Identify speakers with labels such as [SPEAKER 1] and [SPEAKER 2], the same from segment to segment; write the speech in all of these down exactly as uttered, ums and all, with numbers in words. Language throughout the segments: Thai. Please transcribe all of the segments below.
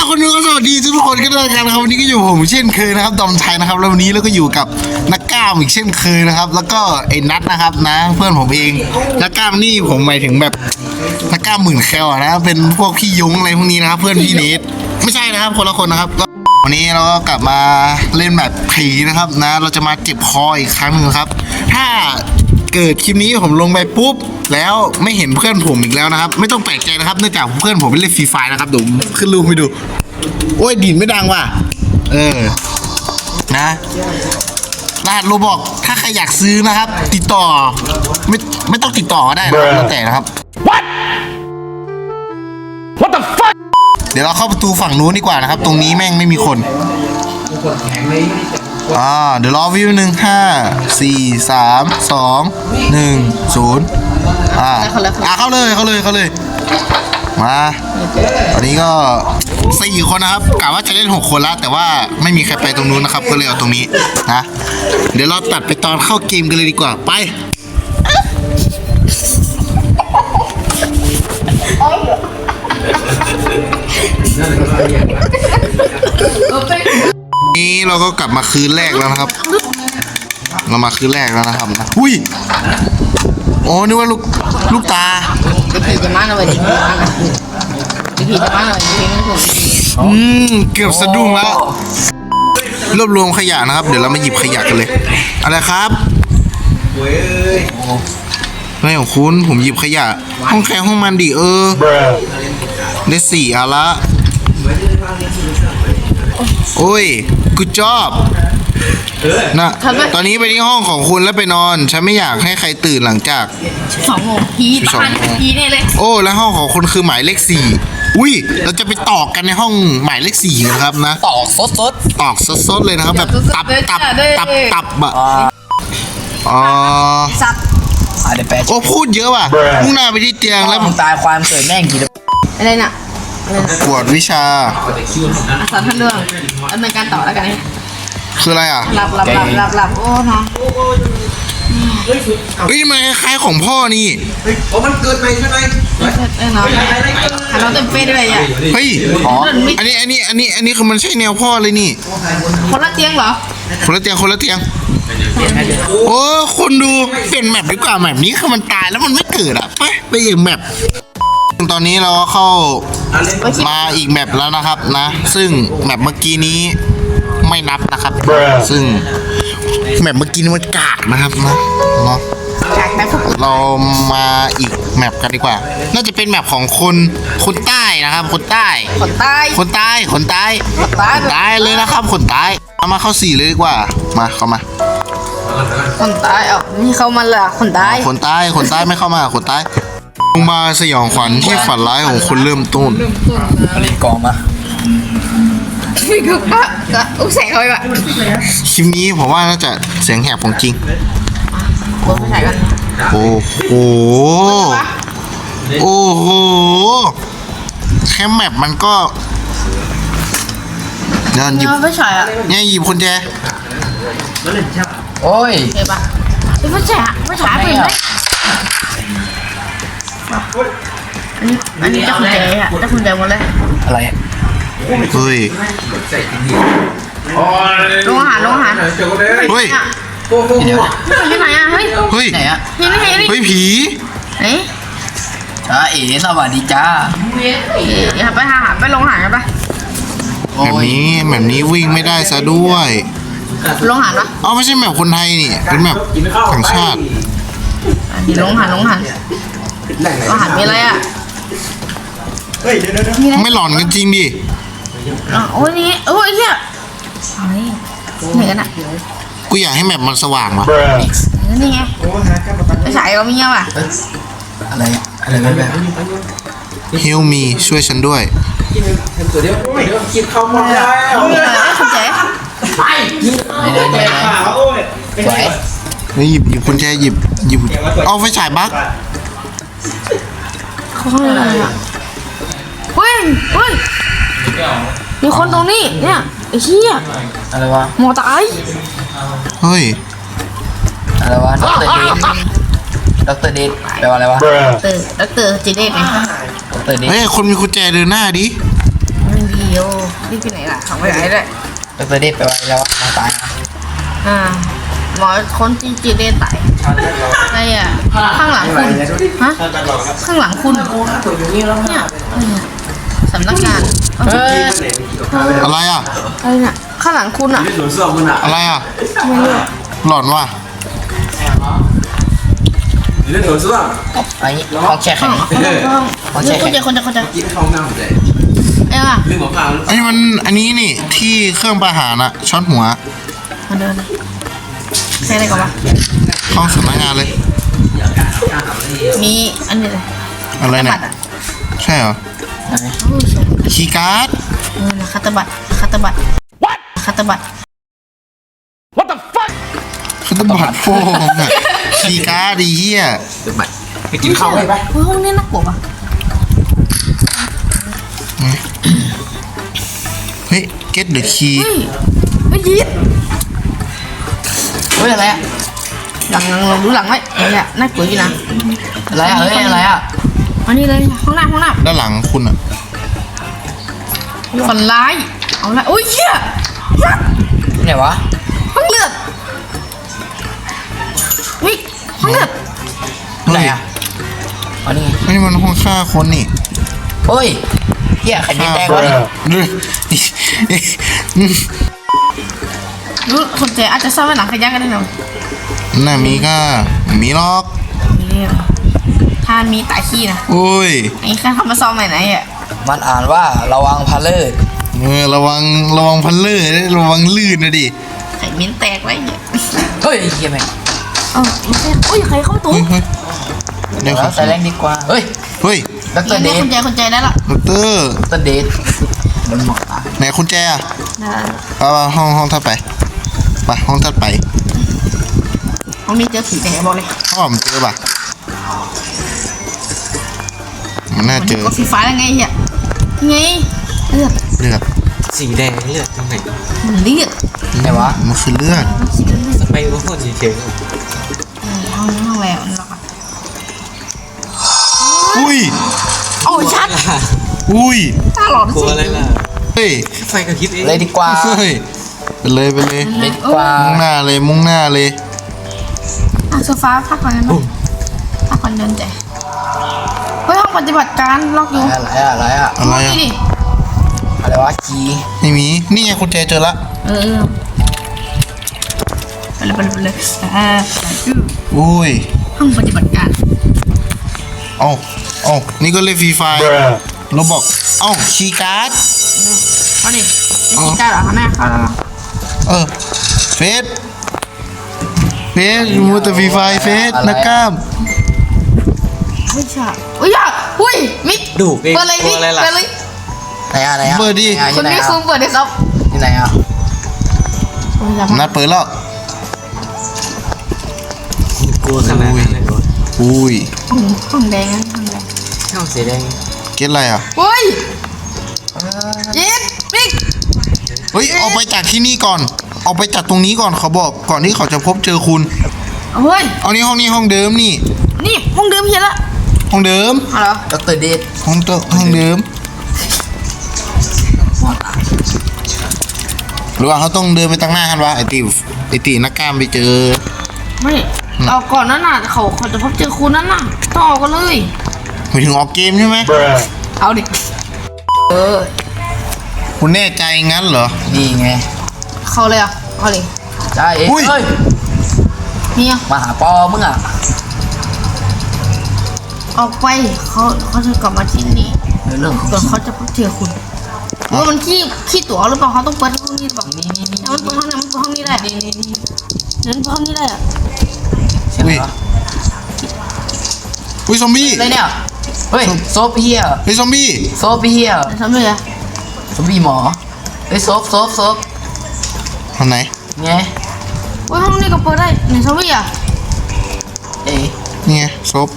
[SPEAKER 1] คนดูก็สวัสดีทุกคนกันด้วยกันนะครับวันนี้ก็อยู่ผมเช่นเคยนะครับดอมชัยนะครับแล้ววันนี้เราก็อยู่กับนักกล้ามอีกเช่นเคยนะครับแล้วก็ไอ้นัทนะครับนะเพื่อนผมเองนักกล้ามนี่ผมหมายถึงแบบนักกล้ามหมื่นแคลนะเป็นพวกพี่ยงอะไรพวกนี้นะครับเพื่อนพี่เนทไม่ใช่นะครับคนละคนนะครับวันนี้เราก็กลับมาเล่นแบบผีนะครับนะเราจะมาเจ็บคออีกครั้งนึงครับถ้าเกิดคลิปนี้ผมลงไปปุ๊บแล้วไม่เห็นเพื่อนผมอีกแล้วนะครับไม่ต้องแปลกใจนะครับเนื่องจากเพื่อนผมเป็นเล่นฟรีไฟนะครับเดี๋ยวขึ้นรูปให้ดูโอ้ยดินไม่ดังว่ะเออนะรหัสโรบอกถ้าใครอยากซื้อนะครับ ติดต่อไม่ไม่ต้องติดต่อก็ได้นะครับแล้วแต่นะครับ What What the fuck เดี๋ยวเราเข้าประตูฝั่งนู้นดีกว่านะครับตรงนี้แม่งไม่มีคนอ่าเดี๋ยวรอวิวหนึ่งห้าสี่สามสองหนึ่งศูนย์อ่าอ่าเข้าเลยเข้าเลยเข้าเลยมาตอนนี้ก็สี่คนนะครับกะว่าจะเล่นหกคนแล้วแต่ว่าไม่มีใครไปตรงนู้นนะครับก็เลยเอาตรงนี้นะเดี๋ยวเราตัดไปตอนเข้าเกมกันเลยดีกว่าไปนี่เราก็กลับมาคืนแรกแล้วนะครับเรามาคืนแรกแล้วนะครับนะอุ้ยโอ้นึกว่าลูกลูกตา
[SPEAKER 2] จะผีจะมาหน่อยดิจะผีจะมาหน่อยดิไม่ถูก
[SPEAKER 1] อืมเกือบสะดุ้งแล้วรวบรวมขยะนะครับเดี๋ยวเรามาหยิบขยะกันเลยอะไรครับไม่ของคุณผมหยิบขยะห้องแคร์ห้องมันดิเออได้สี่อะละโอ้ยกูจอบนะตอนนี้ไปที่ห้องของคุณแล้วไปนอนฉันไม่อยากให้ใครตื่นหลังจาก
[SPEAKER 2] สองโมงผีตายผีเนี่ยเลย
[SPEAKER 1] โอ้แล้วห้องของคุณคือหมายเลขสี่อุ้ยเราจะไปตอกกันในห้องหมายเลขสี่นะครับนะ
[SPEAKER 3] ตอกสดสด
[SPEAKER 1] ตอกสดสดเลยนะครับแบบตับตับตับตับอะอ๋อ
[SPEAKER 2] สับ
[SPEAKER 1] โอ้พูดเยอะว่ะมุ่งหน้าไปที่เตียงแล้ว
[SPEAKER 3] ตายความเกิดแม่งกี่
[SPEAKER 2] อะไรน่ะ
[SPEAKER 1] กวดวิชา
[SPEAKER 2] สอนท่านเรื่องดำเนินการต่อแล้วกัน
[SPEAKER 1] คืออะไรอ่ะ
[SPEAKER 2] หลับหลับหลับหลับหลับโอ้เนาะ
[SPEAKER 1] เฮ้ยมันคล้ายของพ่อนี่
[SPEAKER 4] เฮ้ยโอ้มันเกิดไปใช่ไหม
[SPEAKER 2] เออเนาะเราเต็มเป๊ะด้วยอ่ะ
[SPEAKER 1] เฮ้ยอันนี้อันนี้อันนี้อันนี้คือมันใช่แนวพ่อเลยนี่
[SPEAKER 2] คนละเตียงเหรอ
[SPEAKER 1] คนละเตียงคนละเตียงโอ้คนดูเป็นแมปดีกว่าแมปนี้คือมันตายแล้วมันไม่เกิดอ่ะไปไปอีกแมปตอนนี้เราเข้ามาอีกแมปแล้วนะครับนะซึ่งแมปเมื่อกี้นี้ไม่นับนะครับซึ่งแมปเมื่อกี้นี้มันกากนะครับนะเนาะเรามาอีกแมปกันดีกว่าน่าจะเป็นแมปของคนคนใต้นะครับคนใต้
[SPEAKER 2] คนใต้
[SPEAKER 1] คนใต้คนใต้คนใต้เลยนะครับคนใต้เอามาเข้าสี่เลยดีกว่ามาเข้ามา
[SPEAKER 2] คนใต้เอ้านี่เข้ามาเลยคนใต้
[SPEAKER 1] คนใต้คนใต้ไม่เข้ามาคนใต้ลงมาสยองขวัญที่ฝันร้ายของคนเริ่มต้น
[SPEAKER 3] อะไรกองมา
[SPEAKER 2] ก็ก็ก็อุ้งแสงเขาไปแบบ
[SPEAKER 1] คลิปนี้ผมว่าน่าจะเสียงแหบของจริง
[SPEAKER 2] โอ้ใส่กัน
[SPEAKER 1] โอ้โหโอ้โหแค่แมปมันก็เดินหยิบ
[SPEAKER 2] ไม่ใช่อ่ะ
[SPEAKER 1] เนี่ยหยิบคนแจ
[SPEAKER 3] โอ้ย
[SPEAKER 2] เห็นปะไม่ใช่อ่ะไม่ใช่เป็นไหมอันนี้อันนี้จะคุณแจอ่ะจะคุณแจหมดเลย
[SPEAKER 3] อะไร
[SPEAKER 1] เฮ้ย
[SPEAKER 2] ลงอาหารลงอาหาร
[SPEAKER 1] เฮ้ย
[SPEAKER 2] ที่ไหนอ่ะเฮ้ย
[SPEAKER 1] เฮ้ย
[SPEAKER 3] ไหนอ่ะ
[SPEAKER 2] นี่นี่
[SPEAKER 1] เฮ้ยผี
[SPEAKER 2] เอ๊ะ
[SPEAKER 3] จ้าเอ๋สวัสดีจ้า
[SPEAKER 2] อย่าไปหาไปลงอาหารกันปะ
[SPEAKER 1] แบบนี้แบบนี้วิ่งไม่ได้ซะด้วย
[SPEAKER 2] ลงอาหารปะ
[SPEAKER 1] อ๋อไม่ใช่แมปคนไทยนี่เป็นแมปต่างชาติ
[SPEAKER 2] นี่ลงอาหารลงอาหารลงอาหารมีอะไรอ่ะ
[SPEAKER 1] ไม่หลอนกันจริงดิ
[SPEAKER 2] โอ้ยนี่โอ้ยเนี่ยอะไรไหนกันอ่ะ
[SPEAKER 1] กูอยากให้แมปมันสว่างวะ
[SPEAKER 2] นี่ไงไอ้สายเรามีเงี้ยป่ะ
[SPEAKER 3] อะไรอะไรแบบแบบ
[SPEAKER 1] เฮลมีช่วยฉันด้วย
[SPEAKER 4] ตัวเดียวเดี๋ยวกินข้าวหมดแล้ว
[SPEAKER 2] คุณเจ๊
[SPEAKER 4] ไปไม่ได้ไม่ได้
[SPEAKER 3] สวย
[SPEAKER 1] นี่หยิบหยิบคุณแจหยิบหยิบเอาไฟฉายบั๊ก
[SPEAKER 2] เขาอะไรอ่ะเฮ้ยเฮ้ยมีคนตรงนี้เนี่ยไอ้เหี้ย
[SPEAKER 3] อะไรวะ
[SPEAKER 2] หมอตาย
[SPEAKER 1] เฮ้ย
[SPEAKER 3] อะไรวะด็อกเตอร์เดทด็อกเตอร์เดทแปลว่าอะไรวะ
[SPEAKER 2] ด็อกเตอร์ด็อกเตอร์จีเดทไง
[SPEAKER 3] ด็อกเตอร์เดท
[SPEAKER 1] เฮ้ยคนมีกุญแจเดินหน้าดิ
[SPEAKER 2] ไม่มีโอนี่ที่ไหนล่ะขังไว้ไหนเลย
[SPEAKER 3] ดรเดดไปไว้แล้วอะมาตายนะ
[SPEAKER 2] อ่าหมอคนจีจีเดไตอะไรอ่ะข้างหลังคุณฮะข้างหลังคุณเนี่ยสำนักงาน
[SPEAKER 3] เฮ้ย
[SPEAKER 1] อะไรอ่ะ
[SPEAKER 2] อะไรเนี่ยข้างหลังคุณอ่ะ
[SPEAKER 4] หนูสอบมันอ่ะ
[SPEAKER 1] อะไรอ่ะ
[SPEAKER 2] ไม่รู้
[SPEAKER 1] หลอนว่ะ
[SPEAKER 4] เรื่องหนูสอบ
[SPEAKER 3] ไอ้ห้องแช่แข็
[SPEAKER 2] ข้าง
[SPEAKER 3] ง
[SPEAKER 2] ข้างข้างข้างนี่คนเจคนเจคนเจ
[SPEAKER 4] กินเข้าหน้าเลย
[SPEAKER 2] เอ้ยอ่ะ
[SPEAKER 4] ลืมหมอพาว
[SPEAKER 1] อันนี้มันอันนี้นี่ที่เครื่องประหารอะช็อตหัว
[SPEAKER 2] มาเดินใช่อะไรก่อนวะ
[SPEAKER 1] เข้าสำนักงานเลย
[SPEAKER 2] มีอันนี้เลย
[SPEAKER 1] อะไรเนี่ย
[SPEAKER 2] บัตรอ่ะ
[SPEAKER 1] ใช่เหรอ
[SPEAKER 2] โอ้ยสวย
[SPEAKER 1] คีย์การ์ด
[SPEAKER 2] เออนะคัตเตอร์บัตรคัตเตอร์บัตรคัตเตอร์บัตร
[SPEAKER 1] คือตบัดโฟมอะคีย์การ์ดดีเหี้ย
[SPEAKER 4] ไปกินข้าวไปไป
[SPEAKER 2] เฮ้ยห้องนี้น่ากลัวปะ
[SPEAKER 1] เฮ้ย get the key
[SPEAKER 2] เฮ้ยเฮ้ยยีด
[SPEAKER 3] เฮ้ยอะไรอะ
[SPEAKER 2] หลังหลังหลังดูหลังไว้เฮ้ยอะน่ากลัวอยู่นะ
[SPEAKER 3] อะไรอะเฮ้ยอะไรอะ
[SPEAKER 2] อันนี้เลยห้องน้ำห้องน้
[SPEAKER 1] ด้านหลังคุณอะ
[SPEAKER 2] ำฝันร้ายเอาละโอ้ยเหี้ยยักษ์
[SPEAKER 3] ไหนวะ
[SPEAKER 2] ห้องเลือดเฮ้ยห้องเลือด
[SPEAKER 3] ไหนอะอ๋อนี่ไง
[SPEAKER 1] นี่มันห้องฆ่าคนนี่
[SPEAKER 3] เฮ้ยเฮียไข่มีแตกวะนี่
[SPEAKER 2] รู้คนเจอาจจะซ่อนไว้หลังขยะกันได้หน่อย
[SPEAKER 1] น่ามีก็มีล็อก
[SPEAKER 2] นี่ถ้ามีตายขี้นะ
[SPEAKER 1] อุ้ย
[SPEAKER 2] ไอ้ข้าทำมาซ่อมไหนไหนอ่ะ
[SPEAKER 3] มันอ่านว่าระวังพาเลิศ
[SPEAKER 1] เออระวังระวังพันเลื่อยระวังลื่นนะดิ
[SPEAKER 2] ไข่มิ้นแตกไว้เนี่ย
[SPEAKER 3] เฮ้ยเฮียแม่ง
[SPEAKER 2] เอ้าไม่ใช่อุ้ยใครเข้าประตู
[SPEAKER 1] เฮ้ยเฮ้ยเดี๋ยวค
[SPEAKER 3] แล้
[SPEAKER 1] รั
[SPEAKER 3] ว
[SPEAKER 1] บ
[SPEAKER 3] ใส่แรงดีกว่าเฮ้ย
[SPEAKER 1] เฮ้ย
[SPEAKER 3] ดรเด
[SPEAKER 2] นี่
[SPEAKER 3] ด
[SPEAKER 2] คนใจคนใจได้ละ
[SPEAKER 1] ดอกเตอร์
[SPEAKER 3] ดรเดดมันหมอตา
[SPEAKER 1] ไหนคุณแจอะ
[SPEAKER 2] ได้ละ
[SPEAKER 1] ไปไปห้องห้องถัดไปไปห้องถัดไป
[SPEAKER 2] ห้องนี้เจอผีแต่บอกเลย
[SPEAKER 1] ห้องมันเจอป่ะมันน่าเจอ
[SPEAKER 2] ก็สีฟ้ายังไงเหี้ยไงเลือด
[SPEAKER 1] เลือด
[SPEAKER 4] สีแดงเลือดตรงไหน
[SPEAKER 2] เลือด
[SPEAKER 3] ไหนวะ
[SPEAKER 1] มันคือเลือด
[SPEAKER 4] ไปว่าคนสีเขียว
[SPEAKER 2] ห้องนี้ห้องแล้วนี่หรอก
[SPEAKER 1] อุ้ย
[SPEAKER 2] โอ้ชัด
[SPEAKER 1] อุ้ย
[SPEAKER 2] ตาหลอน
[SPEAKER 4] กลัว
[SPEAKER 2] สิ
[SPEAKER 4] อะไรล่ะ
[SPEAKER 1] เฮ้ย
[SPEAKER 4] ไฟกระพริบเอง
[SPEAKER 3] เลยดีกว่า
[SPEAKER 1] เฮ้ยไปเลยไปเลย
[SPEAKER 3] เลยดีกว่า
[SPEAKER 1] มุ่งหน้าเลยมุ่งหน้าเลย
[SPEAKER 2] อ่ะโซฟาพักก่อนนะพักก่อนเดินใจเฮ้ยห้องปฏิบัติการล็อกอยู่
[SPEAKER 3] อะไรอะอะไรอะ
[SPEAKER 1] อะไร
[SPEAKER 2] นี่
[SPEAKER 1] อะ
[SPEAKER 2] ดิ
[SPEAKER 3] อะไรวะจี
[SPEAKER 1] ไม่มีนี่ไงคุณแจเจอละ
[SPEAKER 2] เออไปเลยไปเลยไปเลยอ่า
[SPEAKER 1] อุ้ย
[SPEAKER 2] ห้องปฏิบัติการ
[SPEAKER 1] เอ้าเอ้านี่ก็เล่นฟรีไฟเราบอกเอ้าคีย์การ์ด
[SPEAKER 2] เอาดิไม่คิดได้หรอคะแม่เข้าแล้ว
[SPEAKER 1] เออเฟสเฟสมูแต่ฟรีไฟเฟสนักกล้าม
[SPEAKER 2] ไม่ใช่อุ้ยอ่ะอุ้ยมิก
[SPEAKER 4] ดูเอง
[SPEAKER 2] เปิดเลย
[SPEAKER 4] กลั
[SPEAKER 2] มิ
[SPEAKER 4] ว
[SPEAKER 2] ก
[SPEAKER 4] อะไรล่ะ
[SPEAKER 2] เปิดเลย
[SPEAKER 3] ไหนอะไหนอะ
[SPEAKER 1] เปิดดิ
[SPEAKER 3] ไหนอะ
[SPEAKER 2] คุณ
[SPEAKER 3] ไหน
[SPEAKER 2] มิก
[SPEAKER 3] อะ
[SPEAKER 2] ซูมเปิดเลยครับ
[SPEAKER 3] ที่ไหนอะ
[SPEAKER 1] นัดเปิดแล้ว
[SPEAKER 4] กลัวขนาดนั้นเลยเหรอ
[SPEAKER 1] อุ้ย
[SPEAKER 2] ห้องแดงนะห้องแดง
[SPEAKER 4] ช่องสีแดง
[SPEAKER 1] เก็ตอะไรอ่ะ
[SPEAKER 2] เฮ้ยเย็ดมิก
[SPEAKER 1] เฮ้ยออกไปจากที่นี่ก่อนออกไปจากตรงนี้ก่อนเขาบอกก่อนที่เขาจะพบเจอคุณ
[SPEAKER 2] เฮ้ย
[SPEAKER 1] เอานี่ห้องนี้ห้องเดิมนี่
[SPEAKER 2] นี่ห้องเดิมเฮียละ
[SPEAKER 1] ห้องเดิม
[SPEAKER 2] เอาเหรอ
[SPEAKER 3] ดรเดด
[SPEAKER 1] ห้องเดิมห้องเดิม หรือว่าเขาต้องเดินไปตั้งหน้ากันวะไอตีไอตีนักกล้ามไปเจอ
[SPEAKER 2] ไม่เอาก่อนนั้นน่ะเขาเขาจะพบเจอคุณนั้นน่ะต้องเอากันเลย
[SPEAKER 1] ไปถึงออกเกมใช่ไหม
[SPEAKER 2] เอาดิเออ
[SPEAKER 1] คุณแน่ใจงั้นเหรอ
[SPEAKER 3] นี่ไง
[SPEAKER 2] เข้าเลยอ่ะเอาเลย
[SPEAKER 3] จ้าเอ๋
[SPEAKER 1] อุ้ย
[SPEAKER 3] เฮ้ย
[SPEAKER 2] นี่อ่ะ
[SPEAKER 3] มาหาปอมึงอะ
[SPEAKER 2] ออกไปเขาเขาจะกลับมาที่นี่
[SPEAKER 3] เรื่อง
[SPEAKER 2] ก่อนเขาจะพบเจอคุณว่ามันขี้ขี้ตั๋วหรือเปล่าเขาต้องเปิดห้องนี้หรือเปล่า
[SPEAKER 3] นี่นี่นี่
[SPEAKER 2] ถ้ามันเปิดห้องนี้มันเปิดห้องนี้ได้
[SPEAKER 3] นี่นี่นี่
[SPEAKER 2] เดินเปิดห้องนี้ได้อ่ะ
[SPEAKER 3] เสียงอะไรวะ
[SPEAKER 1] อุ้ยซอมบี้
[SPEAKER 3] อะไรเนี่ยเฮ้ยโซฟเฮีย
[SPEAKER 1] เฮ้ยซอมบี้
[SPEAKER 3] โซฟเฮีย
[SPEAKER 2] ทำเลยอ่ะ
[SPEAKER 3] ซอมบี้หมอเฮ้ยโซฟโซฟโซฟ
[SPEAKER 1] ทางไหน
[SPEAKER 3] ไง
[SPEAKER 2] ว่าห้องนี้ก็เปิดได้ไหนซอมบี้อ่ะ
[SPEAKER 3] เอ๋
[SPEAKER 1] นี่ไงซบ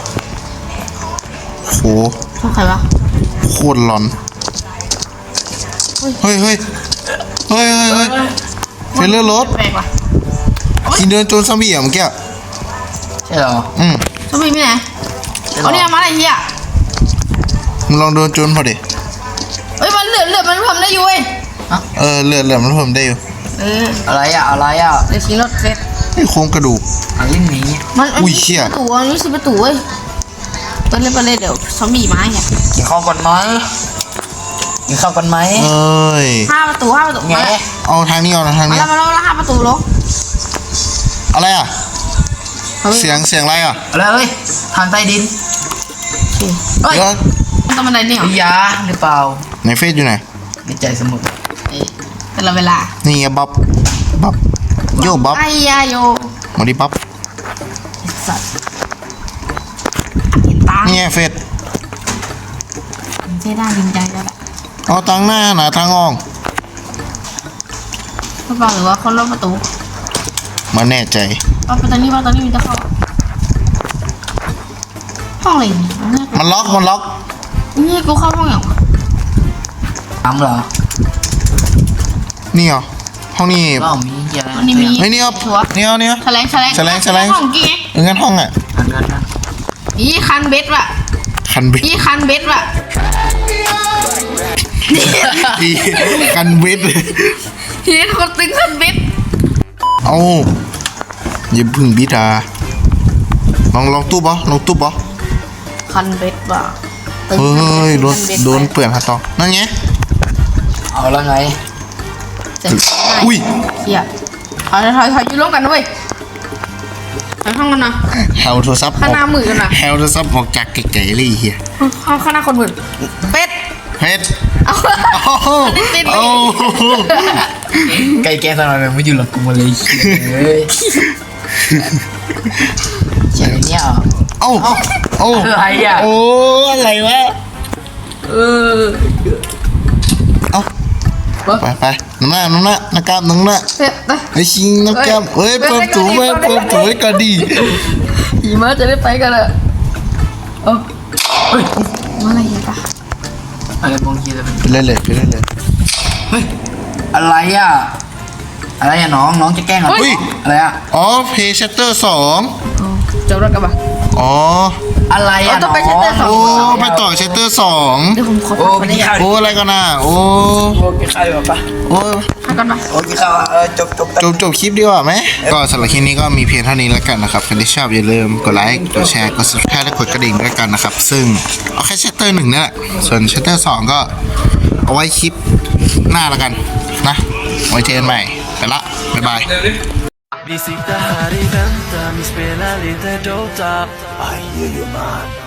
[SPEAKER 1] โห
[SPEAKER 2] ชอบใครวะ
[SPEAKER 1] โคตรหลอน เฮ้ยเฮ้ยเฮ้ยเฮ้ยเฮ้ยเทรลเลอร์รถ
[SPEAKER 2] แปลกว่ะ
[SPEAKER 1] กินเดินโจนซอมบี้อ่ะเมื่อกี้อะ
[SPEAKER 3] ใช่เหรอ
[SPEAKER 1] อืม
[SPEAKER 2] ซอมบี้ไม่ไหน
[SPEAKER 3] ใช่เหร
[SPEAKER 2] เอา
[SPEAKER 3] อ
[SPEAKER 2] เนี่ยมาอะไรเฮีย
[SPEAKER 1] มึงลองเดินโจนพอดิ
[SPEAKER 2] เอ้ยมันเลือดลือดมันทำได้อยู่เว้ย
[SPEAKER 1] เออเลือดเหลือมันเพิ่มได้อยู่
[SPEAKER 2] เออ
[SPEAKER 3] อะไรอ่ะอะไรอ่ะ
[SPEAKER 2] เดี๋ยวชิงรถเฟส
[SPEAKER 1] ไอ้โครงกระดูก
[SPEAKER 3] อันนี้หนี
[SPEAKER 2] มัน
[SPEAKER 1] อุ้ยเชี่ย
[SPEAKER 2] ประตูอันนี้สิประตูเว้ยเปิดเลยเปิดเลยเดี๋ยวซอมบี้มาไง
[SPEAKER 3] กินข้าวก่อนไหมกินข้าวก่อนไหม
[SPEAKER 1] เอ้ย
[SPEAKER 2] ห้าประตูห้าประตู
[SPEAKER 3] แง
[SPEAKER 2] มาแล้ว
[SPEAKER 1] เอาทางนี้ก่อนนะทาง
[SPEAKER 2] มา
[SPEAKER 1] นี้
[SPEAKER 2] แล้วมาแล้วห้าประตูลง
[SPEAKER 1] อะไรอ่ะ
[SPEAKER 2] เอาไป
[SPEAKER 1] เสียงเสียงอะไรอ่ะ
[SPEAKER 3] อะไรเอ้ยทางใต้ดิน
[SPEAKER 2] เฮ้ย
[SPEAKER 1] เดี๋ยว
[SPEAKER 2] มันต้องบันไดเนี่ยเหรอย
[SPEAKER 3] าหรือเปล่า
[SPEAKER 1] ในเฟซอยู่ไหน
[SPEAKER 3] ในใจเสมอ
[SPEAKER 2] เอ้ยแต่ละเวลา
[SPEAKER 1] นี่ไงบ๊อบบ๊อบโยบ๊อบ
[SPEAKER 2] ไอ้ยาโย
[SPEAKER 1] มาดิบ๊อบ
[SPEAKER 2] ไอ้สัตว์เห็นตา
[SPEAKER 1] นี่ไงเฟซ
[SPEAKER 2] เจ๊ได้จริงใจแล้วแหละ
[SPEAKER 1] เอาทางหน้าหนาทางออก
[SPEAKER 2] ก็บอกหรือว่าคนรอบประตู
[SPEAKER 1] มาแน่ใจ
[SPEAKER 2] ว่าประตูนี้ว่าตอนนี้มันจะเข้าห้องอะไรเนี่ยเนี่ย
[SPEAKER 1] มันล็อกมันล็อก
[SPEAKER 2] นี่กูเข้าห้องอย่างวะ
[SPEAKER 3] ทำเหรอ
[SPEAKER 1] นี่เหรอห้องนี้
[SPEAKER 3] ก็มีเหี้ยอะไร
[SPEAKER 2] วันนี้มี
[SPEAKER 1] เฮ้ยนี่เอา
[SPEAKER 2] ชัวร์
[SPEAKER 1] นี่เอานี่เอา
[SPEAKER 2] แฉลงแฉลง
[SPEAKER 1] แฉลงแฉลง
[SPEAKER 2] ห้องกี้ไง
[SPEAKER 1] เอองั้นห้องอ่ะ
[SPEAKER 3] อันนั้นนะ
[SPEAKER 2] อีคันเบ็ดว่ะ
[SPEAKER 1] คันเบ็ด
[SPEAKER 2] อีคันเบ็ดว่ะ
[SPEAKER 1] อีคันเบ็ด
[SPEAKER 2] ทีนี้คนตึงคันเบ็ด
[SPEAKER 1] เอาอย่าพึ่งบิดาลองลองตู้บอลองตู้บอ
[SPEAKER 2] คันเบ็ดว่ะตึง
[SPEAKER 1] เฮ้ยโดน
[SPEAKER 2] คัเบ็
[SPEAKER 1] โดน
[SPEAKER 2] ไป
[SPEAKER 1] เปื่อนฮะตองนั่นไง
[SPEAKER 3] เอาแล้วไง
[SPEAKER 2] เจ็บ
[SPEAKER 1] อุ้ย
[SPEAKER 2] เฮียถอยถอยถอยอยู่ร่วมกันด้วยถอยห้องกันนะ
[SPEAKER 1] แฮวโทรศัพท์
[SPEAKER 2] ข้างหน้ามือกันนะ
[SPEAKER 1] แฮวโทรศัพท์ออกจากไกลๆเลยไอ้เฮีย
[SPEAKER 2] ข้างข้างหน้าคนมือเป็ด
[SPEAKER 1] เฮ็ด
[SPEAKER 2] เอา
[SPEAKER 1] โอ้โห
[SPEAKER 2] ติด
[SPEAKER 1] โอ้โห
[SPEAKER 3] ไก่แก้สนอยไม่อยู่หรอกกูมาเลยเฮ้ยเจ๋งเนี่ยเหรอ
[SPEAKER 1] เอ้าเอ้า
[SPEAKER 3] อะไรอ่ะ
[SPEAKER 1] โอ้อะไรวะ
[SPEAKER 2] เออ
[SPEAKER 1] เอ้าไปไปน้ำหน้าน้ำหน้าน้ากล้ามน้ำหน้า
[SPEAKER 2] เป็ดไป
[SPEAKER 1] ไอ้ชิงน้ากล้ามเฮ้ยเปิดถูไว้เปิดถูไว้ก่อนดี
[SPEAKER 2] หิมะจะได้ไปกันเลยเออเฮ้ยมาอะไรกันปะ
[SPEAKER 3] อะไรบางทีจะเป็น
[SPEAKER 1] ไปเล่นเลยไปเล่นเลย
[SPEAKER 3] เฮ้ยอะไรอ่ะอะไรอ่ะน้องน้องจะแกล้งเหรอ
[SPEAKER 1] อุ้ย
[SPEAKER 3] อะไรอ่ะ
[SPEAKER 1] อ๋อเพย์ชัตเตอร์สอง
[SPEAKER 2] เจ้ารถกันปะ
[SPEAKER 1] อ๋อ
[SPEAKER 3] อะไรอ่ะ
[SPEAKER 2] เอาต้องไป
[SPEAKER 3] น้อง
[SPEAKER 2] เช็ดแต่ส
[SPEAKER 1] โอ้ไปต่อชัตเตอร์สอง
[SPEAKER 2] เดี๋ยวผมขอ
[SPEAKER 3] โอ้
[SPEAKER 2] พัก
[SPEAKER 3] ไป
[SPEAKER 2] ก่อนได้
[SPEAKER 3] กิน
[SPEAKER 2] ยัง
[SPEAKER 3] ข้าว
[SPEAKER 1] โอ้อะไรกันน่ะโอ้
[SPEAKER 3] โอ้กินข้าวดีกว่าปะ
[SPEAKER 1] โอ้
[SPEAKER 2] พักกันปะ
[SPEAKER 3] โอ้กินข้าวอ่ะเออจบจบ
[SPEAKER 1] จบจบคลิปดีกว่าไหมก็สำหรับคลิปนี้ก็มีเพียงเท่านี้แล้วกันนะครับใครที่ชอบอย่าลืมกดไลค์กดแชร์กด subscribe และกดกระดิ่งด้วยกันนะครับ ซึ่งเอาแค่ชัตเตอร์หนึ่งนี่แหละส่วนชัตเตอร์สองก็เอาไว้คลิปหน้าแล้วกันนะไว้เจอกันใหม่ไปละบ๊ายบาย
[SPEAKER 5] Vi sitter här i väntan, vi spelar lite Dota. I hear you man.